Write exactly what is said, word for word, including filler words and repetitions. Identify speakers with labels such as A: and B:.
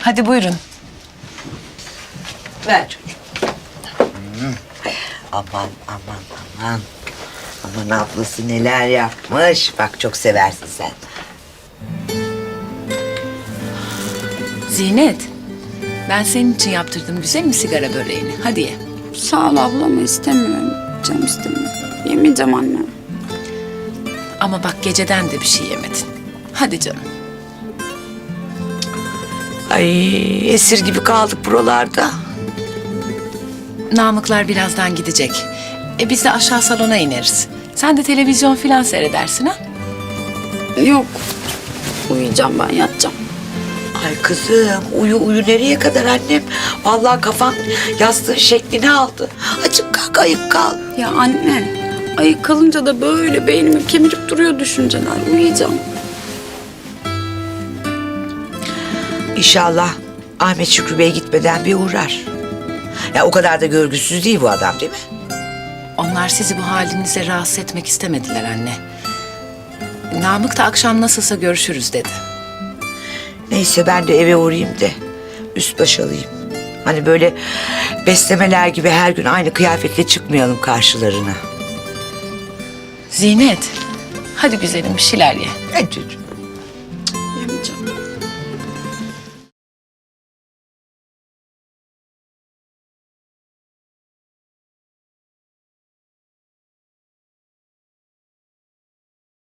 A: Hadi buyurun.
B: Ver çocuğum. Hmm. Aman aman aman. Aman ablası neler yapmış. Bak çok seversin sen.
A: Zinet, ben senin için yaptırdım güzel mi sigara böreğini? Hadi ye.
C: Sağ ol ablam, istemiyorum. Canım istemiyor. Yemeyeceğim anne.
A: Ama bak geceden de bir şey yemedin. Hadi canım.
B: Ay esir gibi kaldık buralarda.
A: Namıklar birazdan gidecek. E biz de aşağı salona ineriz. Sen de televizyon filan seyredersin ha?
C: Yok. Uyuyacağım ben, yatacağım.
B: Ay kızım uyu uyu nereye kadar annem? Vallahi kafan yastığın şeklini aldı. Açık kalk ayık kal.
C: Ya anne, ayık kalınca da böyle beynimi kemirip duruyor düşünceler. Uyuyacağım.
B: İnşallah Ahmet Şükrü Bey gitmeden bir uğrar. Ya o kadar da görgüsüz değil bu adam değil mi?
A: Onlar sizi bu halinize rahatsız etmek istemediler anne. Namık da akşam nasılsa görüşürüz dedi.
B: Neyse ben de eve uğrayayım da üst baş alayım. Hani böyle beslemeler gibi her gün aynı kıyafetle çıkmayalım karşılarına.
A: Zinet, hadi güzelim bir şeyler ye.
B: Hadi çocuğum.